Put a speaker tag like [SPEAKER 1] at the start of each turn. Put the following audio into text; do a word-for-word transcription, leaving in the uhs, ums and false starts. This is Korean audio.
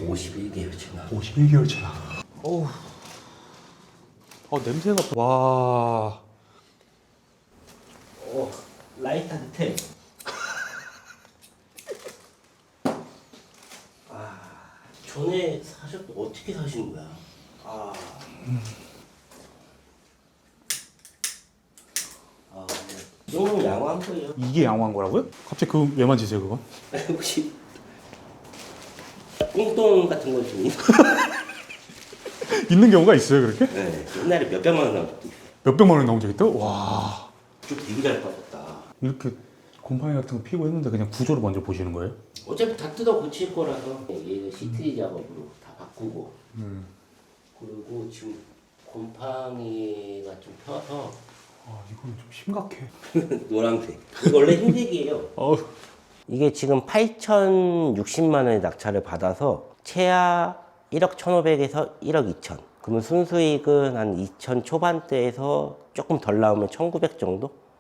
[SPEAKER 1] 오십일 개월 지나.
[SPEAKER 2] 오십일 개월 차나. 어우. 어, 냄새가. 와.
[SPEAKER 1] 어, 라이 따뜻해. 아, 전에 사셨 어떻게 사신 거야? 아. 아, 이 정도면 양호한 거예요.
[SPEAKER 2] 이게 양호한 거라고요? 갑자기 그 왜 만지세요, 그건?
[SPEAKER 1] 혹시 꽁돈 같은 거 좀
[SPEAKER 2] 있는 경우가 있어요, 그렇게?
[SPEAKER 1] 네, 옛날에 몇백만 원 나온 적도 있어요.
[SPEAKER 2] 몇백만 원 나온 적 있다? 와.
[SPEAKER 1] 좀 되게 잘 빠졌다.
[SPEAKER 2] 이렇게 곰팡이 같은 거 피고 했는데 그냥 구조를 먼저 보시는 거예요?
[SPEAKER 1] 어차피 다 뜯어 고칠 거라서 얘는 시트리 작업으로 다 바꾸고
[SPEAKER 2] 음.
[SPEAKER 1] 그리고 지금 곰팡이가 좀 펴서
[SPEAKER 2] 아, 이건 좀 심각해.
[SPEAKER 1] 노란색. 이거 원래 흰색이에요.
[SPEAKER 2] 어.
[SPEAKER 1] 이게 지금 팔천육십만 원의 낙찰을 받아서 최하 일억 천오백에서 일억 이천. 그러면 순수익은 한 이천 초반대에서 조금 덜 나오면 천구백 정도?